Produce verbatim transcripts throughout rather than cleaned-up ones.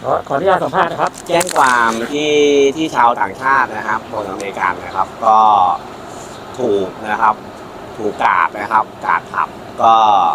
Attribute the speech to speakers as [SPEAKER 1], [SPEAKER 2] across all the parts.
[SPEAKER 1] อขออนุญาตสัมภาษณ์นะครับ
[SPEAKER 2] แจ้งความที่ที่ชาวต่างชาตินะครับคนอเมริกันนะครับ ก็ถูกนะครับ ถูกกาดนะครับกาดผับก็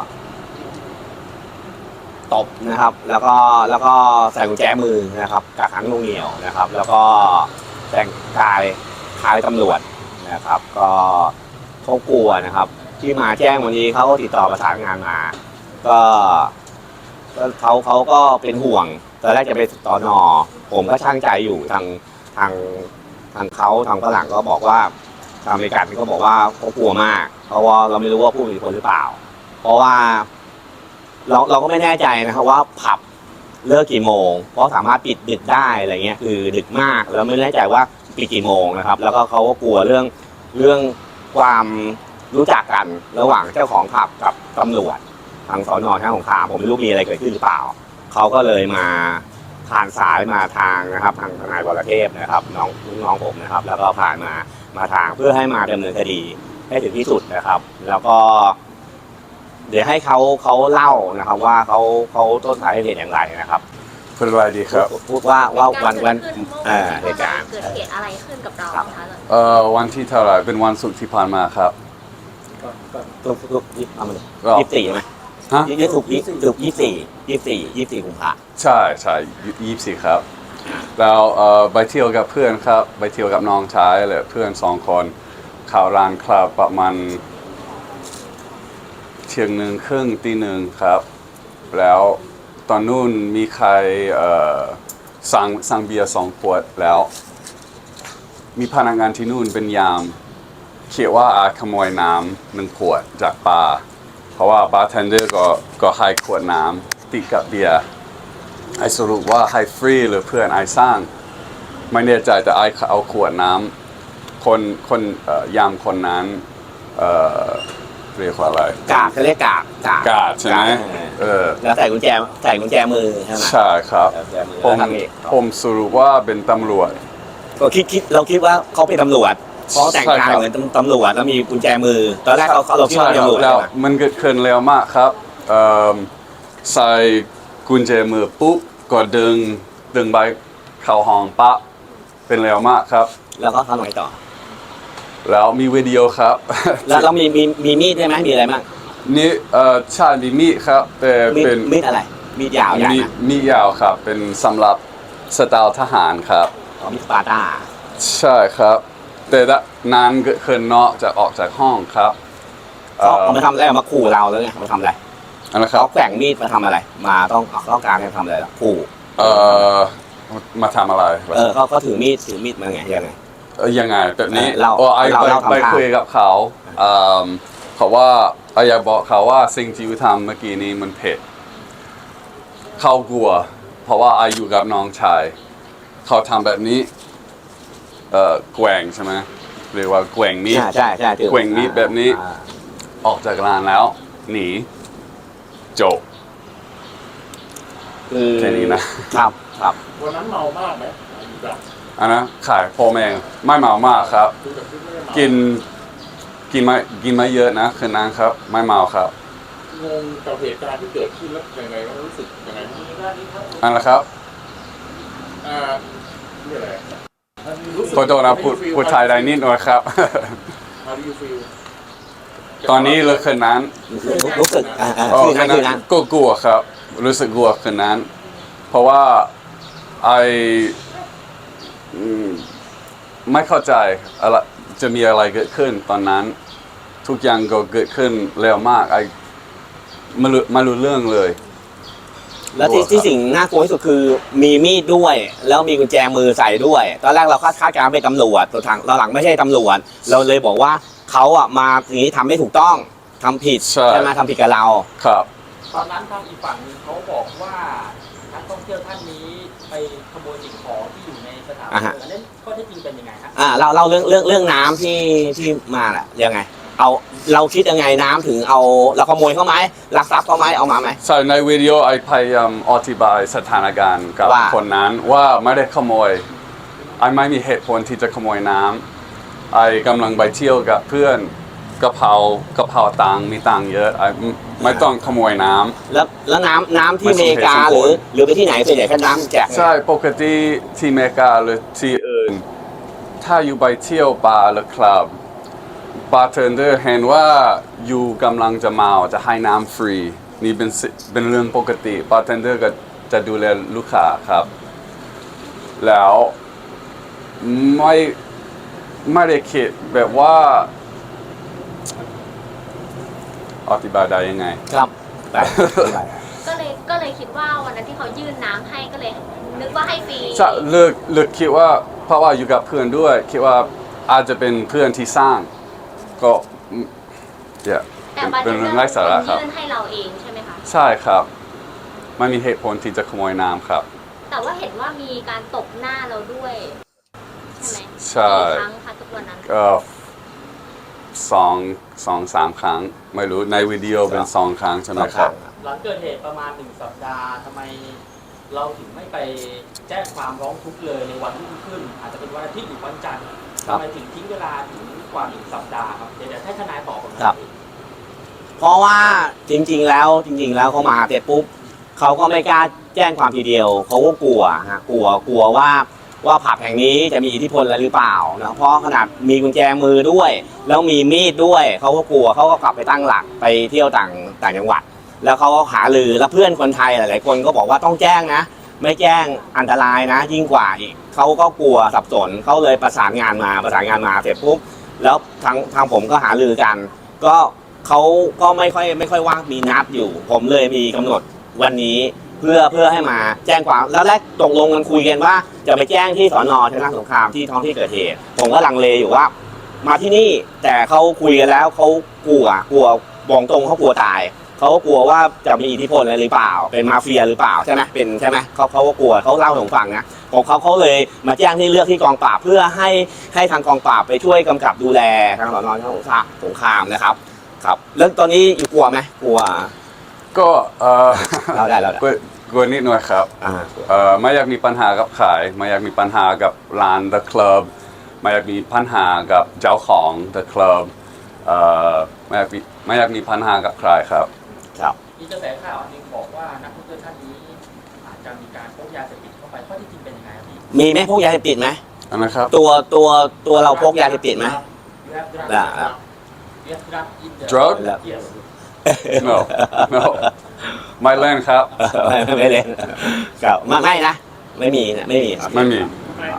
[SPEAKER 2] ตบนะครับ แล้วก็แล้วก็ใส่กุญแจมือนะครับกักขังหน่วงเหนี่ยวนะครับ แล้วก็แต่งกายคล้ายตำรวจนะครับ ก็เขากลัวนะครับ ที่มาแจ้งวันนี้เขาก็ติดต่อประสานงานมา ก็เขาเขาก็เป็นห่วงตอนแรกจะไปตอนอผมก็ช่างใจอยู่ทางทางทางเขาทางฝรั่งก็บอกว่าทางอเมริกันก็บอกว่าเขากลัวมากเพราะว่าเราไม่รู้ว่าผู้มีอิทธิพลหรือเปล่า เพราะว่าเราเราก็ไม่แน่ใจนะครับว่าผับเลิกกี่โมงเพราะสามารถปิดดึกได้อะไรเงี้ยคือดึกมากแล้วไม่แน่ใจว่าปิดกี่โมงนะครับแล้วก็เขาก็กลัวเรื่องเรื่องความรู้จักกันระหว่างเจ้าของผับกับตำรวจทางสน.ท่าสงขลาผมไม่รู้มีอะไรเกิดขึ้นหรือเปล่าเขาก็เลยมาผ่านสายมาทางนะครับทางทนายวรเทพนะครับน้องน้องผมนะครับแล้วก็ผ่านมามาทางเพื่อให้มาดำเนินคดีให้ถึงที่สุดนะครับแล้วก็เดี๋ยวให้เขาเขาเล่านะครับว่าเขาเขาต้นสายเหตุอย่างไรนะครับ
[SPEAKER 3] เป็นไรดีครับ
[SPEAKER 2] พูดว่าว่าวันวันเอ่อเหตุการณ์
[SPEAKER 4] เกิดเหตุอะไรขึ้นกับเราคะ
[SPEAKER 3] เอ่อวันที่เท่าไหร่เป็นวันศุกร์ที่ผ่านมาครับ
[SPEAKER 2] ทุกทุกยี่เอามาเลยยี่สิบสี่ไหมฮะยี่สิบถูกยี่ถูกยี่สี่ยี่สี่ยี่สี่กุมภา
[SPEAKER 3] ใช่ใช่ยี่สี่ครับแล้วเอ่อไปเที่ยวกับเพื่อนครับไปเที่ยวกับน้องชายเลยเพื่อนสองคนข่าวร้านคลับประมาณเที่ยงหนึ่งครึ่งตีหนึ่งครับแล้วตอนนู้นมีใครเอ่อสั่งสั่งเบียร์สองขวดแล้วมีพนักงานที่นู่นเป็นยามเขียนว่าอาขโมยน้ำหนึ่งขวดจากบาร์เพราะว่าบาร์เทนเดอร์ก็ก็ให้ขวดน้ำติดกับเบียร์ไอสรุปว่าให้ฟรีหรือเพื่อนไอสร้างไม่แน่ใจแต่ไอเอาขวดน้ำคนคนเอ่อยามคนนั้นเอ่อเรียกว่าอะไร
[SPEAKER 2] กาดเขาเรียกกาด
[SPEAKER 3] กาดใช่ไหมเออ
[SPEAKER 2] แล้วใส่กุญแจใส่กุญแจมือใช่ไหม
[SPEAKER 3] ใช่ครับผมผมสรุปว่าเป็นตำรวจ
[SPEAKER 2] ก็คิดคิดเราคิดว่าเขาเป็นตำรวจเพราะแต่งกายเหมือนตำรวจแล้วมีกุญแจมือตอนแรกเราเราคิดว่าเป็นตำรวจ
[SPEAKER 3] แล้วมันเกิดขึ้นเร็วมากครับใส่กุญแจมือปุ๊บก็ดึงดึงใบเข้าห้องปะเป็นเร็วมากครับ
[SPEAKER 2] แล้วก็ทำไงต่อ
[SPEAKER 3] แล้วมีวิดีโอครับ
[SPEAKER 2] แล้วเรามีมีมีมีดใช่ไหมมีอะไรบ้าง
[SPEAKER 3] นี่เอ่อใช่มีมีดครับแต่เป็น
[SPEAKER 2] มีดอะไรมีดยาวใหญ่
[SPEAKER 3] มีมีดยาวครับเป็นสำหรับสไตล์ทหารครับ
[SPEAKER 2] มีดสปาร์ตา
[SPEAKER 3] ใช่ครับแต่นานเกิดขึ้นเนาะจะออกจากห้องครับ
[SPEAKER 2] เขามาทำอะไรมาขู่เราแล้วไงมาทำอะไร
[SPEAKER 3] อะไรครับ
[SPEAKER 2] เขาแกว่งมีดมาทำอะไรมาต้องต้องการให้ทำอะไรล่ะขู่
[SPEAKER 3] เอ่อมาทำอะไร
[SPEAKER 2] เออเขาเขาถือมีดถือมีดมาไงยังไง
[SPEAKER 3] เออยังไงแบบนี้
[SPEAKER 2] เรา
[SPEAKER 3] ไอไปไปคุยกับเขาเขาว่าไออยากบอกเขาว่าสิ่งที่ทำเมื่อกี้นี้มันเผ็ดเขากลัวเพราะว่าไออยู่กับน้องชายเขาทำแบบนี้เอ่อแกว่งใช่ไหมเรียกว่าแกว่งมีด
[SPEAKER 2] ใช่ใช่
[SPEAKER 3] แกว่งมีดแบบนี้ออกจากร้านแล้วหนีจบแค่นี้
[SPEAKER 2] นะครับครับ
[SPEAKER 1] วันนั้นเมามากไหม
[SPEAKER 3] อันนะขายโฟมเองไม่เมามากครับกินกินไม่กินไม่เยอะนะคืนนั้นครับไม่เมาครับ
[SPEAKER 1] งงกับเหตุการณ์ที่เกิดขึ้นแล้วยังไงรู้สึกยังไง
[SPEAKER 3] อันละครับ
[SPEAKER 1] อ่านี่อะไร
[SPEAKER 3] ขอโทษนะพูดพูดไทยได้นิดหน่อยครับตอนนี้เลยคืนนั้น
[SPEAKER 2] รู้สึก
[SPEAKER 3] อ๋อคืนนั้นก็กลัวครับรู้สึกกลัวคืนนั้นเพราะว่าไอไม่เข้าใจอะไรจะมีอะไรเกิดขึ้นตอนนั้นทุกอย่างก็เกิดขึ้นเร็วมากไอไม่รู้ไม่รู้เรื่องเลย
[SPEAKER 2] แล้วที่ที่สิ่งน่ากลัวที่สุดคือมีมีดด้วยแล้วมีกุญแจมือใส่ด้วยตอนแรกเราคาดคาดการเป็นตำรวจตัวทางเราหลังไม่ใช่ตำรวจเราเลยบอกว่าเขาอ่ะมาอย่างนี้ทำไม่ถูกต้องทำผิดใช่ไหมทำผิดกับเรา
[SPEAKER 3] ครับ
[SPEAKER 1] ตอนนั้นทางอีกฝั่งนึงเขาบอกว่านักท่องเที่ยวท่านนี้ไปขโมยสิ่งของที่อยู่ในสถานบันเทิงอันนั้นข้อเท็จจริงเป็นยังไงครับ
[SPEAKER 2] อ่าเราเราเรื่องเรื่องเรื่องน้ำที่ที่มาแหละยังไงเอาเราคิดยังไงน้ำถึงเอาเราขโมยเขาไหมลักทรัพย์เขาไหมเอามาไหม
[SPEAKER 3] ใช่ในวิดีโอไอพยายามอธิบายสถานการณ์กับคนนั้นว่าไม่ได้ขโมยไอไม่มีเหตุผลที่จะขโมยน้ำไอกำลังไปเที่ยวกับเพื่อนกระเพรากระเพราตังค์มีตังค์เยอะอ่ะไม่ไม่ต้องขโมยน้ำ
[SPEAKER 2] แล้วแล้วน้ำน้ำที่
[SPEAKER 3] ไม่
[SPEAKER 2] อ
[SPEAKER 3] สม
[SPEAKER 2] เม
[SPEAKER 3] เหตุ
[SPEAKER 2] ริกา
[SPEAKER 3] สมผล
[SPEAKER 2] หรือหรือไปที่ไหนส่วนใหญ่แค่น้ำแจก
[SPEAKER 3] ใช่ปกติที่อเมริกาหรือที่อื่น ถ้าอยู่ไปเที่ยวบาร์หรือคลับบาร์เทนเดอร์เห็นว่าอยู่กำลังจะเมาจะให้น้ำฟรี นี่เป็นสิเป็นเรื่องปกติบาร์เทนเดอร์ก็จะดูแลลูกค้าครับ แล้วไม่ไม่ได้คิดแบบว่าอธิบายได้ยังไง
[SPEAKER 2] ครับได้
[SPEAKER 4] ก็เลยก็เลยคิดว่าวันนั้นที่เขายื่นน้ำให้ก็เลย นึกว่าให้ฟรี
[SPEAKER 3] จะเลือกเลือกคิดว่าเพราะว่าอยู่กับเพื่อนด้วยคิดว่าอาจจะเป็นเพื่อนที่สร้างก็เนี่ย
[SPEAKER 4] แต่
[SPEAKER 3] เป็น
[SPEAKER 4] บาร์
[SPEAKER 3] เป็
[SPEAKER 4] เท
[SPEAKER 3] น
[SPEAKER 4] นเด
[SPEAKER 3] เรื่
[SPEAKER 4] อ
[SPEAKER 3] อง
[SPEAKER 4] ร์
[SPEAKER 3] ไร้สาระ
[SPEAKER 4] เป็น
[SPEAKER 3] ครับ
[SPEAKER 4] ยื่นให้เราเองใช่ไหมคะ
[SPEAKER 3] ใช่ครับไม่มีเหตุผลที่จะขโมยน้ำครับ
[SPEAKER 4] แต่ว่าเห็นว่ามีการตบหน้าเราด้วย ใช่ไหม
[SPEAKER 3] ใช่
[SPEAKER 4] กี่ครั้งคะทุกวันนั้น
[SPEAKER 3] ก็สองสองสามครั้ง ไม่รู้ในวิดีโอเป็นสองครั้งใช่ไหมครับ
[SPEAKER 1] หลังเกิดเหตุประมาณหนึ่งสัปดาห์ทำไมเราถึงไม่ไปแจ้งความร้องทุกข์เลยในวันรุ่งขึ้น อาจจะเป็นวันอาทิตย์หรือวันจันทร์
[SPEAKER 2] ครั
[SPEAKER 1] ทำ
[SPEAKER 2] บ
[SPEAKER 1] ไมถึงทิ้งเวลาถึงกว่าหนึ่งสัปดาห์ครับเดี๋ยวให้ทนายตอบผมหน่อย
[SPEAKER 2] ครับ เพราะว่าจริงๆแล้วจริง ๆ แล้วเขามาเสร็จปุ๊บเขาก็ไม่กล้าแจ้งความทีเดียวเขาก็กลัวฮะกลัวกลัวว่าว่าผับแห่งนี้จะมีอิทธิพลอะไรหรือเปล่านะเพราะขนาดมีกุญแจมือด้วย แล้วมีมีดด้วยเขาก็กลัวเขาก็กลับไปตั้งหลักไปเที่ยวต่างต่างจังหวัด แล้วเขาก็หาลือแล้วเพื่อนคนไทยหลายๆคนก็บอกว่าต้องแจ้งนะ ไม่แจ้งอันตรายนะ ยิ่งกว่าอีกเขาก็กลัวสับสนเขาเลยประสานงานมาประสานงานมาเสร็จปุ๊บแล้วทางทางผมก็หาลือกัน ก็เขาก็ไม่ค่อยไม่ค่อยว่างมีนัดอยู่ ผมเลยมีกำหนดวันนี้เพื่อเพื่อให้มาแจ้งความแล้วแรกตกลงกันคุยกันว่าจะไปแจ้งที่สอนอชนะสงครามที่ท้องที่เกิดเหตุผมก็ลังเลอยู่ว่า มาที่นี่แต่เขาคุยกันแล้วเขากลัวกลัวบอกตรงเขากลัวตายเขาก็กลัวว่าจะมีอิทธิพลอะไรหรือเปล่าเป็นมาเฟียหรือเปล่าใช่ไหมเป็นใช่ไหมเขาเขาก็กลัวเขาเล่าให้ผมฟังนะของเขาเขาเลยมาแจ้งที่เลือกที่กองปราบเพื่อให้ให้ทางกองปราบไปช่วยกำกับดูแลทางสอนอชนะสงครามนะครับครับแล้วตอนนี้อยู่กลัวไหมกลัว
[SPEAKER 3] ก็เออ
[SPEAKER 2] เราได้เราได้
[SPEAKER 3] กลัวกลัวนิดหน่อยครับ
[SPEAKER 2] อ่า
[SPEAKER 3] เอ่อไม่อยากมีปัญหากับขายไม่อยากมีปัญหากับร้าน The Club ไม่อยากมีปัญหากับเจ้าของ The Club เอ่อไม่อยากมีไม่อยากมีปัญหากับใครครับ
[SPEAKER 2] ครับ
[SPEAKER 1] มีกระแสข่าวอันหนึงบอกว่านักท่องเที่ยวท่านนี้อาจจะมีการพกยาเสพติดเข้าไปข้อที่จริงเป็นยังไงครับพี่
[SPEAKER 2] มีไหมพวกยาเสพติดไหม
[SPEAKER 3] อันนะครับ
[SPEAKER 2] ตัวตัวตัวเราพกยาเสพติดไหม ได้ครับ
[SPEAKER 3] Drug?
[SPEAKER 1] Yes.
[SPEAKER 3] no no ไม่เล่นครับ
[SPEAKER 2] ไม่ไม่เล่นครับไม่ไม่นะไม่มีนะไม่มีครับ
[SPEAKER 3] ไม่มี
[SPEAKER 4] ค่ะ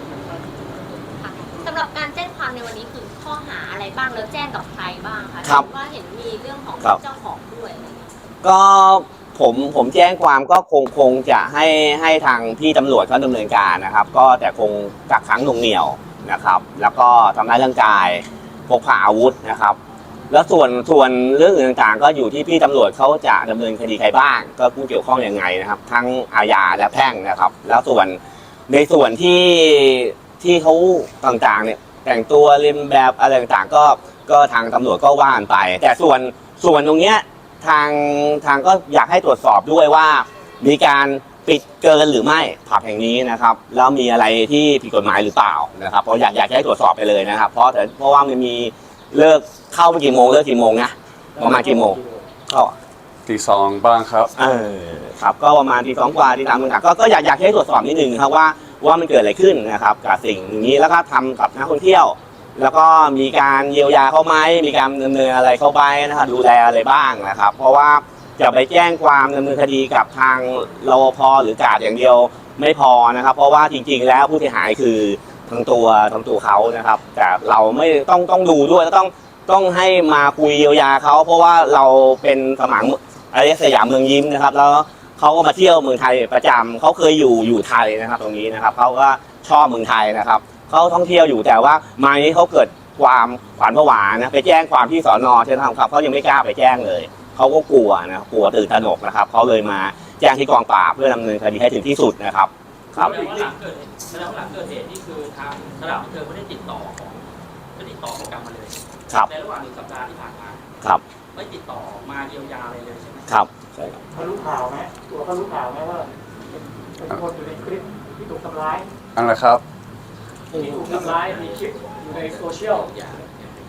[SPEAKER 4] สำหรับการแจ้งความในวันนี้คือข้อหาอะไรบ้างแล้วแจ้งกับใครบ้างคะ
[SPEAKER 2] ครับ
[SPEAKER 4] เห็นว่าเห็นมีเรื่องของ
[SPEAKER 2] ครับ
[SPEAKER 4] เจ้าของด้วยอะไรอย่างเงี้ย
[SPEAKER 2] ก็ผมผมแจ้งความก็คงคงจะให้ให้ทางพี่ตำรวจเขาดำเนินการนะครับ ก็แต่คงกักขังหน่วงเหนี่ยวนะครับ แล้วก็ทำร้ายร่างกายพกพาอาวุธนะครับ แล้วส่วนส่วนเรื่องอื่นต่างๆ ก็อยู่ที่พี่ตำรวจเขาจะดำเนินคดีใครบ้าง ก็ผู้เกี่ยวข้องยังไงนะครับ ทั้งอาญาและแพ่งนะครับ แล้วส่วนในส่วนที่ที่เขาต่างๆเนี่ยแต่งตัวเลียนแบบอะไรต่างๆก็ก็ทางตำรวจก็ว่ากันไป แต่ส่วนส่วนตรงเนี้ยทางทางก็อยากให้ตรวจสอบด้วยว่า มีการปิดเกินหรือไม่ผับแห่งนี้นะครับ แล้วมีอะไรที่ผิดกฎหมายหรือเปล่านะครับเพราะอยากอยากให้ตรวจสอบไปเลยนะครับ เพราะแต่เพราะว่ามันมีเลิกเข้าไปกี่โมงเลิกกี่โมงนะประมาณกี่โมงก็
[SPEAKER 3] ตีสองบ้างครับ
[SPEAKER 2] เออครับก็ประมาณทีสองกว่าทีสามก็ก็อยากอยากให้ตรวจสอบนิดนึงครับว่าว่ามันเกิดอะไรขึ้นนะครับกับสิ่งนี้แล้วก็ทำกับนักท่องเที่ยว แล้วก็มีการเยียวยาเขาไหมมีการดำเนินอะไรเข้าไปนะครับดูแลอะไรบ้างนะครับ เพราะว่าจะไปแจ้งความดำเนินคดีกับทางรปภหรือกาดอย่างเดียวไม่พอนะครับ เพราะว่าจริงๆแล้วผู้เสียหายคือทั้งตัวทั้งตัวเขานะครับ แต่เราไม่ต้องต้องดูด้วยแล้วต้องต้องให้มาคุยเยียวยาเขาเพราะว่าเราเป็นสมังอะไรสยามเมืองยิ้มนะครับ แล้วเขาก็มาเที่ยวเมืองไทยประจำเขาเคยอยู่อยู่ไทยนะครับ ตรงนี้นะครับเขาก็ชอบเมืองไทยนะครับเขาท่องเที่ยวอยู่แต่ว่ามานี้เขาเกิดความขวัญผวานะไปแจ้งความที่สอนอใช่ไหมครับเขายังไม่กล้าไปแจ้งเลยเขาก็กลัวนะกลัวตื่นตระหนกนะครับเขาเลยมาแจ้งที่กองปราบเพื่อดำเนินคดีให้ถึงที่สุดนะครับครับ
[SPEAKER 1] แสดงว่าหลังเกิดเหตุแสดงว่าหลังเกิดเหตุนี่คือทางสถานบันเทิงไม่ได้ติดต่อของไม่ติดต่อของกลับมาเลย
[SPEAKER 2] ครับ
[SPEAKER 1] ในระหว่างหนึ่งสัปดาห์ที่ผ่านมา
[SPEAKER 2] ครับ
[SPEAKER 1] ไม่ติดต่อมาเยียวยาอะไรเลยใช่ไหม
[SPEAKER 2] ครับใช่ครับ
[SPEAKER 5] เขารู้ข่าวไหมตัวเขารู้ข่าวไหมว่าเป็นเป็นคนอยู่ในคลิปที่ถูกทำร้าย
[SPEAKER 3] อันนะครับ
[SPEAKER 5] ที่ถูกทำร้ายมีคลิปอยู่ในโซเชียล
[SPEAKER 1] อย่าอย่าไปเข้าไป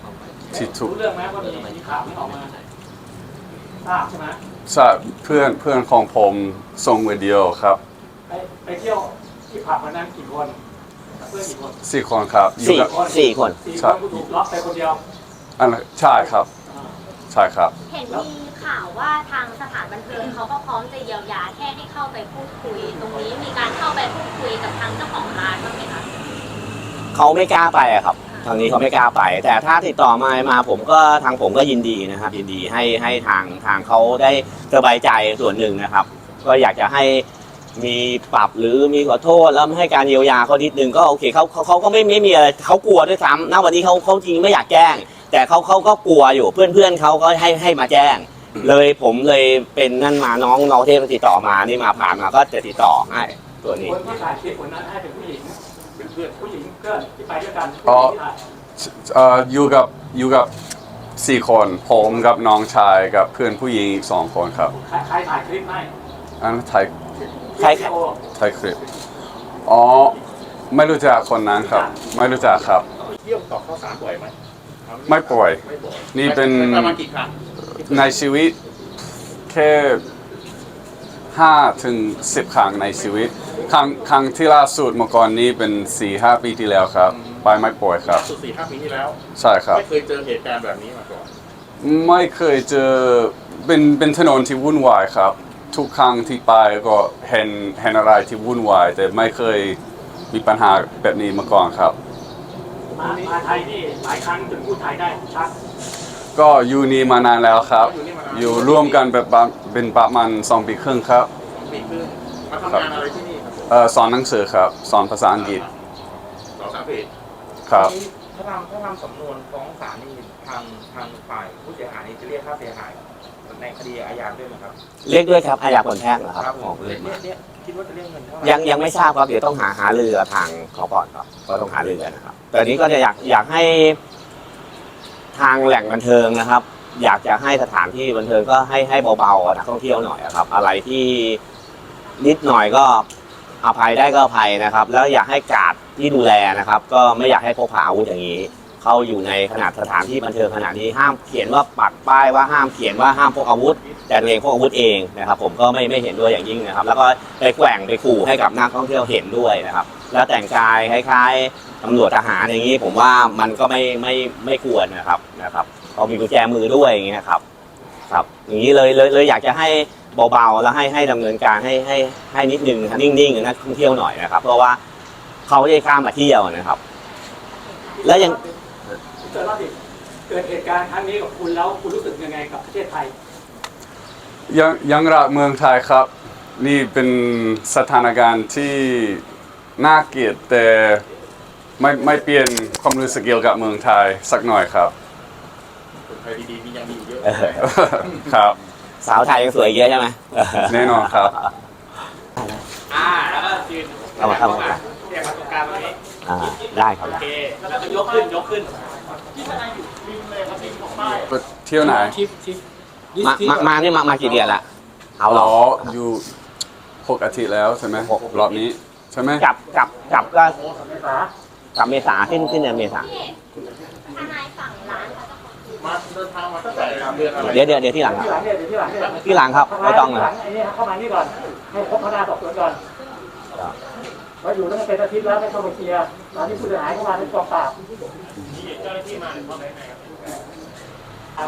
[SPEAKER 3] ที่ถูก
[SPEAKER 5] รู้เรื่องไหมว่ามีมีข่าวไม่ออกมาทราบใช่ไหม
[SPEAKER 3] ใช่เพื่อนเพื่อนของผมส่งวิดีโอครับ
[SPEAKER 5] ไปไปเที่ยวที่ผับวันนั้นกี่คนเพื่อนกี่คน
[SPEAKER 3] สี่คนครับอยู่
[SPEAKER 2] สี่
[SPEAKER 3] กับ
[SPEAKER 2] สี่คน
[SPEAKER 5] สี่
[SPEAKER 3] ใช่
[SPEAKER 5] คนกูถูกล็อกไปคนเดียว
[SPEAKER 3] อันนั้นใช่ครับ
[SPEAKER 5] อ่า
[SPEAKER 3] ใช่ครับ
[SPEAKER 4] เห็นมีข่าวว่าทางสถานบันเทิงเขาก็พร้อมจะเยียวยาแค่ให้เข้าไปพูดคุย ตรงนี้มีการเข้าไปพูดคุยกับทางเจ้าของร้านบ้างไหมคะ
[SPEAKER 2] เขาไม่กล้าไปอะครับทางนี้เขาไม่กล้าไป แต่ถ้าติดต่อมามาผมก็ทางผมก็ยินดีนะครับ ยินดีให้ให้ทางทางเขาได้สบายใจส่วนหนึ่งนะครับ ก็อยากจะให้มีปรับหรือมีขอโทษแล้วให้การเยียวยาเขานิดนึงก็โอเคเขาเขาเขาก็ไม่ไม่มีอะไรเขากลัวด้วยซ้ำณวันนี้เขาเขาจริงไม่อยากแจ้ง แต่เขาเขาก็กลัวอยู่เพื่อนเพื่อนเขาก็ให้ให้มาแจ้ง เลยผมเลยเป็นนั่นมาน้องน้องเทพติดต่อมานี่มาผ่านมาก็จะติดต่อให้ตัวนี้
[SPEAKER 5] คนที่ถ่ายคลิปคนนั้นให้เป็นผู้หญิงเป็นเพื่อนผู้หญิงเพื่อนที่ไปด้วยกัน
[SPEAKER 3] อ๋อ
[SPEAKER 5] ผู้หญิงที่ถ่าย
[SPEAKER 3] เอ่ออยู่กับอยู่กับสี่คนผมกับน้องชายกับเพื่อนผู้หญิงอีกสองคนครับ
[SPEAKER 5] ใครใครถ่ายคลิปให้
[SPEAKER 3] อันนั้นถ่าย
[SPEAKER 2] ใคร
[SPEAKER 5] วิดีโอ
[SPEAKER 3] ถ่ายคลิปอ๋อไม่รู้จักคนนั้นครับ ไม่รู้จักครับ
[SPEAKER 6] เที่ยวต่อข้าวสารบ่อยไหม
[SPEAKER 3] ไม่ป่วย
[SPEAKER 6] ไม่บ่อย
[SPEAKER 3] นี่เป็น
[SPEAKER 6] ประมาณกี่ครั้ง
[SPEAKER 3] ในชีวิตแค่ห้าถึงสิบครั้งในชีวิต ครั้งครั้งที่ล่าสุดเมื่อก่อนนี้เป็นสี่ห้าปีที่แล้วครับ ไปไม่ป่วยครับ
[SPEAKER 6] สุดสี่ห้าปีที่แล้ว
[SPEAKER 3] ใช่ครับ
[SPEAKER 6] ไม่เคยเจอเหตุการณ์แบบนี้มาก่อน
[SPEAKER 3] ไม่เคยเจอเป็นเป็นถนนที่วุ่นวายครับ ทุกครั้งที่ไปก็เห็นเห็นอะไรที่วุ่นวาย แต่ไม่เคยมีปัญหาแบบนี้มาก่อนครับ
[SPEAKER 5] มามาไทยนี่หลายครั้งจนพูดไทยได้ชัด
[SPEAKER 3] ก็อยู่นี่มานานแล้วครับ อยู่ร่วมกันแบบประเป็นประมาณสองปีครึ่งครับ
[SPEAKER 6] สองปีครึ่งมาทำงานอะไรที่นี่ครับผม
[SPEAKER 3] เอ่อสอนหนังสือครับ สอนภาษาอังกฤษ
[SPEAKER 6] สองสามปี
[SPEAKER 3] ครับ
[SPEAKER 1] ถ้าทำถ้าทำสำนวนฟ้องศาลนี่ทางทางฝ่ายผู้เสียหายนี่จะเรียกค่าเสียหายในคดีอาญาด้วยไหมครับ
[SPEAKER 2] เรียกด้วยครับอาญาผลแพ่งนะครับ
[SPEAKER 1] ผ
[SPEAKER 2] ของ
[SPEAKER 1] ม
[SPEAKER 2] เรื่
[SPEAKER 1] เนี่
[SPEAKER 2] อย ง
[SPEAKER 1] เนี่ยคิดว่าจะเรียกเงินเท่าไหร่
[SPEAKER 2] ยังยังไม่ทราบครับเดี๋ยวต้องหาหาเรือทางเขาก่อนครับก็ต้องหาเรือนะครับแต่นี้ก็จะอยากอยากให้ทางแหล่งบันเทิงนะครับ อยากจะให้สถานที่บันเทิงก็ให้ให้เบาๆกับนักท่องเที่ยวหน่อยครับ อะไรที่นิดหน่อยก็อภัยได้ก็อภัยนะครับ แล้วอยากให้กาดที่ดูแลนะครับ ก็ไม่อยากให้พกพาอาวุธอย่างนี้ เข้าอยู่ในขนาดสถานที่บันเทิงขนาดนี้ห้ามเขียนว่าปักป้ายว่าห้ามเขียนว่าห้ามพกอาวุธ แต่ตัวเองพกอาวุธเองนะครับ ผมก็ไม่ไม่เห็นด้วยอย่างยิ่งนะครับ แล้วก็ไปแกว่งไปขู่ให้กับนักท่องเที่ยวเห็นด้วยนะครับ แล้วแต่งกายคล้ายๆตำรวจทหารอย่างนี้ ผมว่ามันก็ไม่ไม่ไม่ควรนะครับนะครับเขามีกุญแจมือด้วยอย่างเงี้ยครับครับ อย่างนี้เลยเลยเลยอยากจะให้เบาๆแล้วให้ให้ดำเนินการให้ให้ให้นิดนึงนะครับนิ่งๆกับนักท่องเที่ยวหน่อยนะครับ เพราะว่าเขาไม่ได้ข้ามมาเที่ยวนะครับ แล้วยัง
[SPEAKER 5] เกิดว่าดิเกิดเหตุการณ์ครั้งนี้กับคุณแล้วคุณรู้สึกยังไงกับประเทศไทย
[SPEAKER 3] ยังยังรักเมืองไทยครับ นี่เป็นสถานการณ์ที่น่าเกลียดแต่ไม่ไม่เปลี่ยนความรู้สึกเกี่ยวกับเมืองไทยสักหน่อยครับ
[SPEAKER 6] คนไทยดีๆมียังมีอยู่เยอะ
[SPEAKER 2] เออ
[SPEAKER 3] ครับ
[SPEAKER 2] สาวไทยยังสวยเยอะใช่ไหม
[SPEAKER 3] แน่นอนครับ
[SPEAKER 1] อ่าแล้วก็ยืน
[SPEAKER 2] เอามาเข้ามา
[SPEAKER 1] เรียกมาตรงกลางตรงนี้
[SPEAKER 2] อ่าได้ครับ
[SPEAKER 1] โอเคแล้วก็ยกขึ้นยกขึ้น
[SPEAKER 5] ที่ทนายอยู่ริมเลยครับริมของป้าย
[SPEAKER 3] เที่ยวไหน
[SPEAKER 1] ทิปทิป
[SPEAKER 2] มามามานี่มามากี่เดือนละเอาหร
[SPEAKER 3] อ๋
[SPEAKER 2] อ
[SPEAKER 3] ออยู่หกอาทิตย์แล้วใช่ไหม
[SPEAKER 2] หก
[SPEAKER 3] รอบนี้ใช่ไหม
[SPEAKER 2] กลับกลับกลับก็
[SPEAKER 5] เมษาก
[SPEAKER 2] ลับเมษาสิ้นสิ้นเดือนเมษา
[SPEAKER 4] พี่ทนายฝั่งร้านเขาจะขอคืน
[SPEAKER 6] มาเดินทางมาตั้งแต่เดือนอะไร
[SPEAKER 2] เดี๋ยวเดี๋ยวเดี๋ยวที่หลังค
[SPEAKER 5] ที่หลั
[SPEAKER 2] รับ
[SPEAKER 5] งเนี่ยเดี๋ยวที่หลังเนี่ย
[SPEAKER 2] ที่หลังครับไม่ต้องนะค
[SPEAKER 5] ห
[SPEAKER 2] รั
[SPEAKER 5] ลั
[SPEAKER 2] บ
[SPEAKER 5] งไอ้นี่เข้ามานี่ก่อนให้พบพนักงานสอบสวนก่อนมาอยู่ตั้งแต่เป็นอาทิตย์แล้วไม่เข้ามาเคลียร์ตอนนี้ผู้เสียหายเข้ามาในกองปราบ
[SPEAKER 6] เจ้าหน้าที่มาหรือเปล่าไหนครับ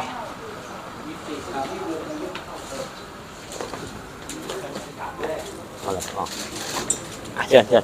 [SPEAKER 2] เอาละอ๋ออ่ะเชิญเชิญ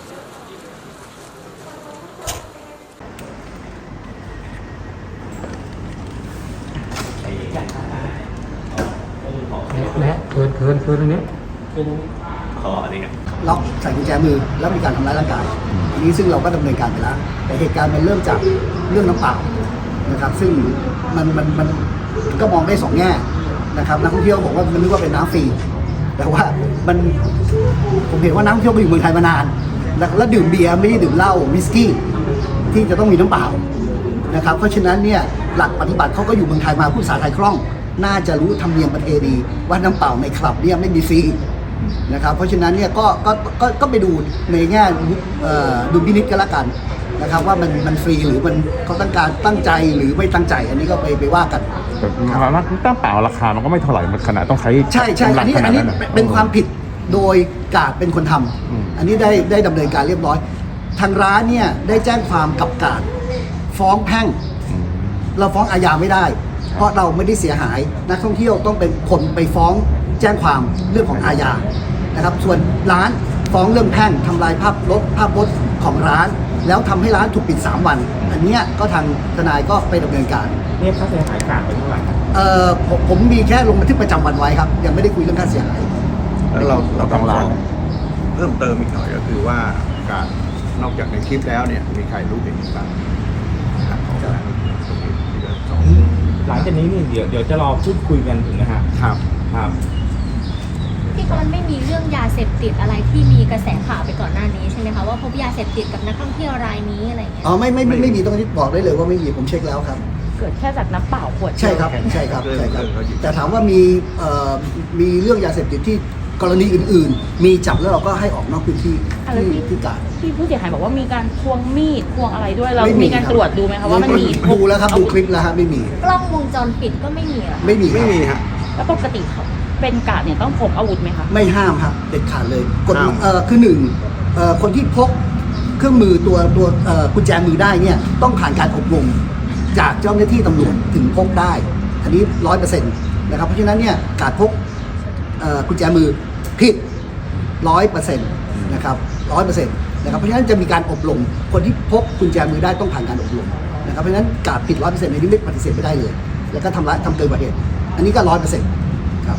[SPEAKER 5] นะเกินเกินเกินตรงนี้
[SPEAKER 2] ขออันนี้ครับ
[SPEAKER 7] ล็อกใส่กุญแจมือแล้วมีการทำร้ายร่างกายอันนี้ซึ่งเราก็ดำเนินการไปแล้วแต่เหตุการณ์มันเริ่มจากเรื่องน้ำเปล่านะครับซึ่งมันมันมันก็มองได้สองแง่นะครับนักท่องเที่ยวบอกว่ามันนึกว่าเป็นน้ำฟรีแต่ว่ามันผมเห็นว่านักท่องเที่ยวมาอยู่เมืองไทยมานานแล้วแล้วดื่มเบียร์ไม่ได้ดื่มเหล้าวิสกี้ที่จะต้องมีน้ำเปล่านะครับเพราะฉะนั้นเนี่ยหลักปฏิบัติเขาก็อยู่เมืองไทยมาพูดภาษาไทยคล่องน่าจะรู้ธรรมเนียมประเพณีว่าน้ำเปล่าในคลับเนี่ยไม่มีฟรีนะครับเพราะฉะนั้นเนี่ยก็ก็ก็ก็ไปดูในแง่เอ่อดุลพินิจกันละกันนะครับว่ามันมันฟรีหรือมันเขาตั้งการตั้งใจหรือไม่ตั้งใจ อันนี้ก็ไปไปว่ากัน
[SPEAKER 8] แต่น้ำตั้งเปล่าราคามันก็ไม่เท่าไหร่มันขนาดต้องใช้
[SPEAKER 7] ใช่ใช่
[SPEAKER 8] กำลั
[SPEAKER 7] อัน
[SPEAKER 8] ง
[SPEAKER 7] นี้
[SPEAKER 8] ข
[SPEAKER 7] อั
[SPEAKER 8] นาด
[SPEAKER 7] นนี้
[SPEAKER 8] นั้นน่ะ
[SPEAKER 7] เป็นความผิดโดยกาดเป็นคนทำ
[SPEAKER 8] อืม
[SPEAKER 7] อันนี้ได้ได้ดำเนินการเรียบร้อย ทางร้านเนี่ยได้แจ้งความกับกาดฟ้องแพ่ง
[SPEAKER 8] อืม
[SPEAKER 7] เราฟ้องอาญาไม่ได้ เพราะเราไม่ได้เสียหาย นักท่องเที่ยวต้องเป็นคนไปฟ้องแจ้งความเรื่องของอาญานะครับ ส่วนร้านฟ้องเรื่องแพ่งทำลายภาพลบภาพพจน์ของร้าน แล้วทำให้ร้านถูกปิดสามวัน อันเนี้ยก็ทางทนายก็ไปดำเนินการ
[SPEAKER 8] เรียกค่าเสียหายกลางไปเท่าไหร่ครับ
[SPEAKER 7] เอ่อผมผมมีแค่ลงบันทึกประจำวันไว้ครับ ยังไม่ได้คุยเรื่องค่าเสียหาย
[SPEAKER 9] แล้วเราเราต้อง
[SPEAKER 8] ร้าน
[SPEAKER 9] เพิ่มเติมอีกหน่อยก็คือว่าการนอกจากในคลิปแล้วเนี่ยมีใครรู้เห็นอีกบ้างนะครับของการตรงนี้ที่จะสอง
[SPEAKER 8] หลังจากนี้นี่เดี๋ยวเดี๋ยวจะรอพูดคุยกันถึงนะฮะ
[SPEAKER 9] ครับ
[SPEAKER 8] ครับ
[SPEAKER 4] ที่เขามันไม่มีเรื่องยาเสพติดอะไรที่มีกระแสข่าวไปก่อนหน้านี้ใช่ไหมคะว่าพบยาเสพติดกับนักท่องเที่ยวรายนี้อะไรอย่างเงี้ย
[SPEAKER 7] อ๋อไม่ไม่ไม่ไม่มีตรงนี้บอกได้เลยว่าไม่มีผมเช็คแล้วครับ
[SPEAKER 10] เกิดแค่จากน้ำเปล่าขวดเดียว
[SPEAKER 7] ใช่ครับใช่ครับใช่ครับ แต่ถามว่ามีเอ่อมีเรื่องยาเสพติดที่กรณีอื่น ๆ มีจับแล้วเราก็ให้ออกนอกพื้นที่
[SPEAKER 10] อะไร
[SPEAKER 7] ที่
[SPEAKER 10] ที่
[SPEAKER 7] ที่กาด
[SPEAKER 10] ที่ผู้เสียหายบอกว่ามีการควงมีดควงอะไรด้วยเรา
[SPEAKER 7] ไม่มี
[SPEAKER 10] มีการ
[SPEAKER 7] ครับ
[SPEAKER 10] ตรวจดูไหมคะว่ามันมี
[SPEAKER 7] ดูแล้วครับดูคลิปแล้วฮะไม่มี
[SPEAKER 4] กล้องวงจรปิดก็ไม่มีเหรอ
[SPEAKER 7] ไม่มีค
[SPEAKER 9] ไม่
[SPEAKER 7] รับ
[SPEAKER 9] มีฮะ
[SPEAKER 10] แล้วปกติเขาเป็นกาดเนี่ยต้องพกอาวุธไหมคะ
[SPEAKER 7] ไม่ห้ามครับเด็ดขาดเลยกฎ
[SPEAKER 9] ห้าม
[SPEAKER 7] เอ่อคือหนึ่งเอ่อคนที่พกเครื่องมือตัวตัวเอ่อกุญแจมือได้เนี่ยต้องผ่านการอบรมจากเจ้าหน้าที่ตำรวจถึงพกได้ อันนี้ร้อยเปอร์เซ็นต์นะครับเพราะฉะนั้นเนี่ยการพกเอ่อกุญแจมือผิดร้อยเปอร์เซ็นต์นะครับร้อยเปอร์เซ็นต์นะครับเพราะฉะนั้นจะมีการอบรมคนที่พกกุญแจมือได้ต้องผ่านการอบรมนะครับเพราะฉะนั้นการผิดร้อยเปอร์เซ็นต์ในนี้ไม่ปฏิเสธไม่ได้เลย แล้วก็ทำร้ายทำเกินกว่าเหตุอันนี้ก็ร้อยเปอร์เซ็นต์ครับ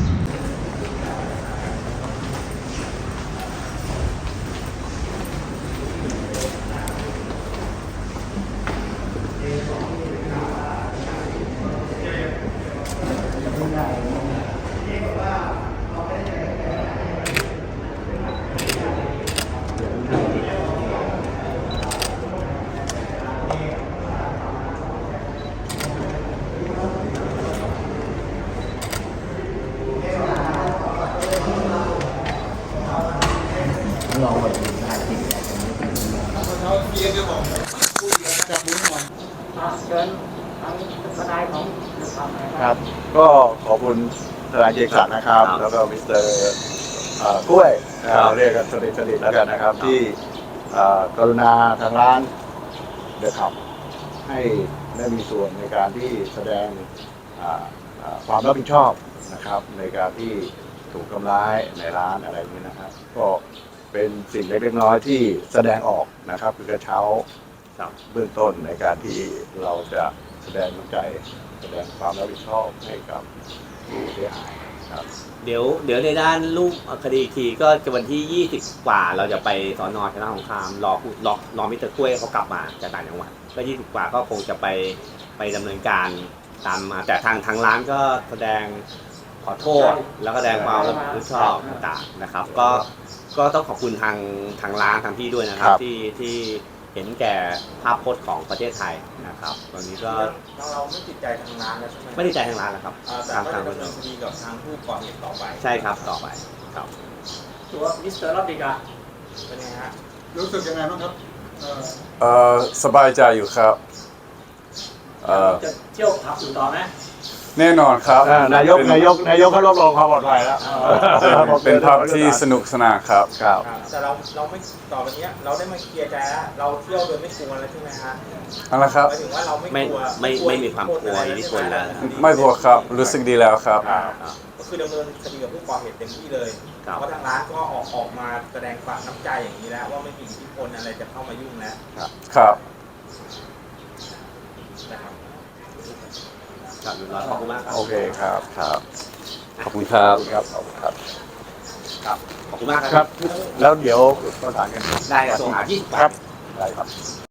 [SPEAKER 5] เชิญทางทนายของฝั่งไหน
[SPEAKER 9] ครับ ก็ขอบคุณทนายเจสันนะครับ
[SPEAKER 2] ครับ
[SPEAKER 9] แล้วก็มิสเตอร์เอ่อกล้วยนะค
[SPEAKER 2] ครั
[SPEAKER 9] รับบ เรียกกันสนิทสนิทแล้วกันนะครับ ที่เอ่อกรุณาทางร้านเดอะขับ ให้ได้มีส่วนในการที่แสดงอ่าอ่าความรับผิดชอบนะครับ ในการที่ถูกทำร้ายในร้านอะไรอย่างนี้นะครับ ก็เป็นสิ่งเล็กๆน้อยๆที่แสดงออกนะครับคือกระเช้าเบื้องต้นในการที่เราจะแสดงน้ำใจแสดงความรับผิดชอบให้กับผู้เสียหายครับ
[SPEAKER 2] เดี๋ยวเดี๋ยวในด้านรูปคดีอีกทีก็จะวันที่ยี่สิบกว่าเราจะไปสอนอชนะสงครามรอผู้รอรอมิสเตอร์กล้วยเขากลับมาจากต่างจังหวัดก็ยี่สิบกว่าก็คงจะไปไปดำเนินการตามมาแต่ทางทางร้านก็แสดงขอโทษแล้วก็แสดงความรับผิดชอบต่างๆนะครับ ก็ก็ต้องขอบคุณทางทางร้านทางพี่ด้วยนะครับ
[SPEAKER 9] ครับ
[SPEAKER 2] ที่ที่เห็นแก่ภาพพจน์ของประเทศไทยนะครับตอนนี้ก็
[SPEAKER 1] เราเราไม่ติดใจทางร้านแล้วใช่ไหม
[SPEAKER 2] ไม่ได้ใจทางร้านแล้วครับ
[SPEAKER 1] อ่าแต่
[SPEAKER 2] ทาง
[SPEAKER 1] ก็
[SPEAKER 2] ทาง
[SPEAKER 1] จะดำเนินคดีกับทางผู้ก่อเหตุต่อไป
[SPEAKER 2] ใช่ครับต่อไปครับ
[SPEAKER 5] ตัวมิสเตอร์ลอดดิกา
[SPEAKER 1] เป็นไงฮะ
[SPEAKER 7] รู้สึกยังไงบ้างครับ
[SPEAKER 3] เอ่อสบายใจอยู่ครับเอ่อ
[SPEAKER 5] จะเที่ยวผับอยู่ต่อไหม
[SPEAKER 3] แน่นอนครับ
[SPEAKER 9] อ่านายกนายกนายกเขารับรองความปลอดภัยแล้ว
[SPEAKER 3] เป็นเป็นภาพที่สนุกสนานครับ
[SPEAKER 9] ครับ
[SPEAKER 1] แต่เราเราไม่ต่อไปเนี้ยเราได้มาเคลียร์ใจแล้วเราเที่ยวโดยไม่กลัวแล้วใช่ไหมฮะ
[SPEAKER 3] เอาละครับ
[SPEAKER 1] หมายถึงว่าเราไม่
[SPEAKER 2] ไม่
[SPEAKER 1] กลัว
[SPEAKER 2] ไม่ไม่มีความกลัวอิทธิพลแล้ว
[SPEAKER 3] ไม่กลัวครับรู้สึกดีแล้วครับ
[SPEAKER 1] ก็คือดำเนินคดีกับผู้ก่อเหตุเต็มที่เลย
[SPEAKER 2] ครับ
[SPEAKER 1] เพราะทางร้านก็ออกออกมาแสดงความน้ำใจอย่างนี้แล้ว ว่าไม่มีอิทธิพลอะไรจะเข้ามายุ่งแล้ว
[SPEAKER 3] ครับ
[SPEAKER 1] นะครับ
[SPEAKER 2] ครับเรียบร้อยขอบคุณมากครับ
[SPEAKER 9] โอเคครับครับ
[SPEAKER 2] ขอบคุณครับ
[SPEAKER 9] ครับขอบคุณครับ
[SPEAKER 2] ครับขอบคุณมาก
[SPEAKER 9] ครับ แล้วเดี๋ยวประสานกัน
[SPEAKER 2] ได้ครับส่งหาที่
[SPEAKER 9] ครับได้ครับ